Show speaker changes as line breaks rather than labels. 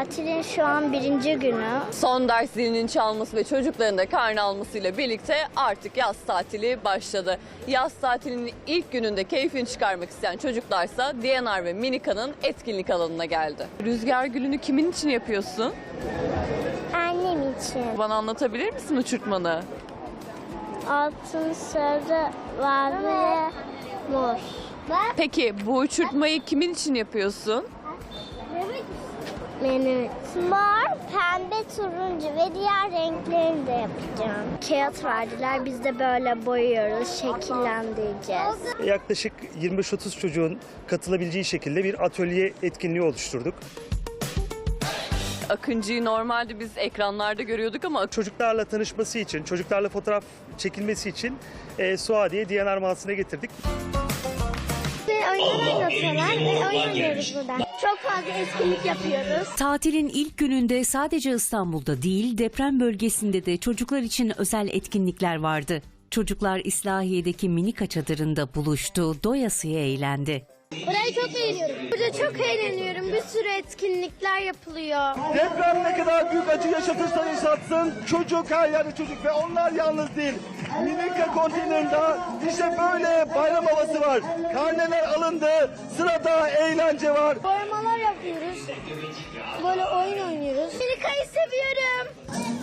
Tatilin şu an 1. günü.
Son ders zilinin çalması ve çocukların da karne almasıyla birlikte artık yaz tatili başladı. Yaz tatilinin ilk gününde keyfini çıkarmak isteyen çocuklarsa DNR ve Minika'nın etkinlik alanına geldi. Rüzgar gülünü kimin için yapıyorsun?
Annem için.
Bana anlatabilir misin uçurtmanı?
Altın, sarı, mavi ve mor.
Peki bu uçurtmayı kimin için yapıyorsun?
Benim mor, pembe, turuncu ve diğer renklerini de yapacağım. Kağıt verdiler, biz de böyle boyuyoruz, şekillendireceğiz.
Yaklaşık 25-30 çocuğun katılabileceği şekilde bir atölye etkinliği oluşturduk.
Akıncı'yı normalde biz ekranlarda görüyorduk ama
Çocuklarla tanışması için, çocuklarla fotoğraf çekilmesi için Suadiye DNR mağazasına getirdik.
Oyun oynatıyorlar ve oyun oynuyoruz burada. Çok fazla etkinlik yapıyoruz.
Tatilin ilk gününde sadece İstanbul'da değil, deprem bölgesinde de çocuklar için özel etkinlikler vardı. Çocuklar İslahiye'deki Minika çadırında buluştu, doyasıya eğlendi.
Burayı çok beğeniyorum. Burada çok eğleniyorum. Bir sürü etkinlikler yapılıyor.
Deprem ne kadar büyük acı yaşatırsa yaşatsın, çocuk her yerde çocuk ve onlar yalnız değil. Minika konteynerinde işte böyle bayram havası var. Karneler alındı, sırada eğlence var.
Boyamalar yapıyoruz. Böyle oyun oynuyoruz. Minika'yı seviyorum.